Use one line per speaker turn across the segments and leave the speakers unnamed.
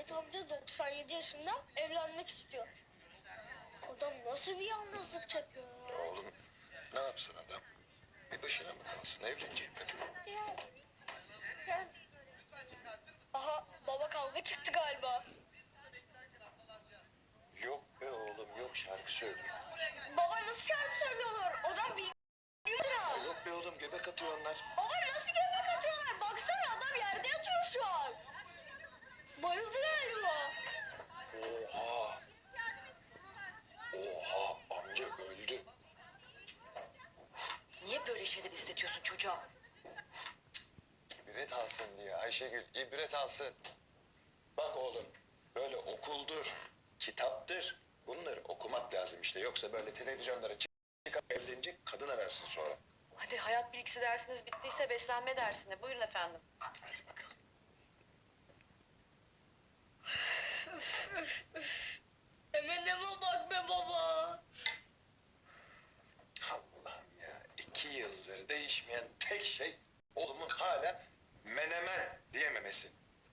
Ahmet amca 97 yaşında evlenmek istiyor. Adam nasıl bir yalnızlık çekiyor ya?
Oğlum ne yapsın adam? Bir başına mı kalsın? Evlenecek mi?
Yani. Aha baba kavga çıktı galiba.
Yok be oğlum yok, şarkı söylüyor.
Baba nasıl şarkı söylüyorlar? Adam bir lira.
Yok be oğlum, göbek atıyor onlar.
Baba nasıl göbek atıyorlar? Baksana adam yerde yatıyor şu an. Bayıldı galiba.
Oha. Oha, amca öldü.
Niye böyle şeyler istetiyorsun çocuğa?
İbret alsın diye Ayşegül, ibret alsın. Bak oğlum, böyle okuldur, kitaptır. Bunları okumak lazım işte. Yoksa böyle televizyonlara çıkıp evlenecek, kadına versin sonra.
Hadi hayat bilgisi dersiniz bittiyse beslenme dersine. Buyurun efendim.
Hadi bakalım.
Eminime bak be baba.
Allah'ım ya, 2 yıldır değişmeyen tek şey oğlumun hala menemen diyememesi.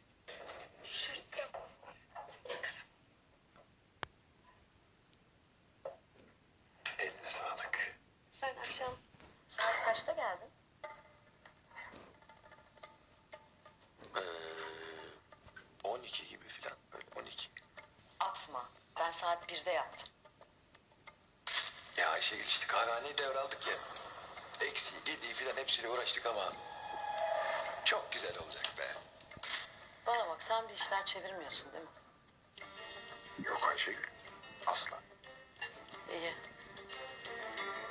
Eline sağlık.
Sen akşam saat kaçta geldin?
Ee, 12 gibi falan, böyle 12.
Atma. Ben saat 1'de yaptım.
Ya Ayşegül, işte kahvehaneyi devraldık ya. Eksiği, gediği falan hepsiyle uğraştık ama çok güzel olacak be.
Bana bak sen bir işler çevirmiyorsun değil mi?
Yok Ayşegül, asla.
İyi.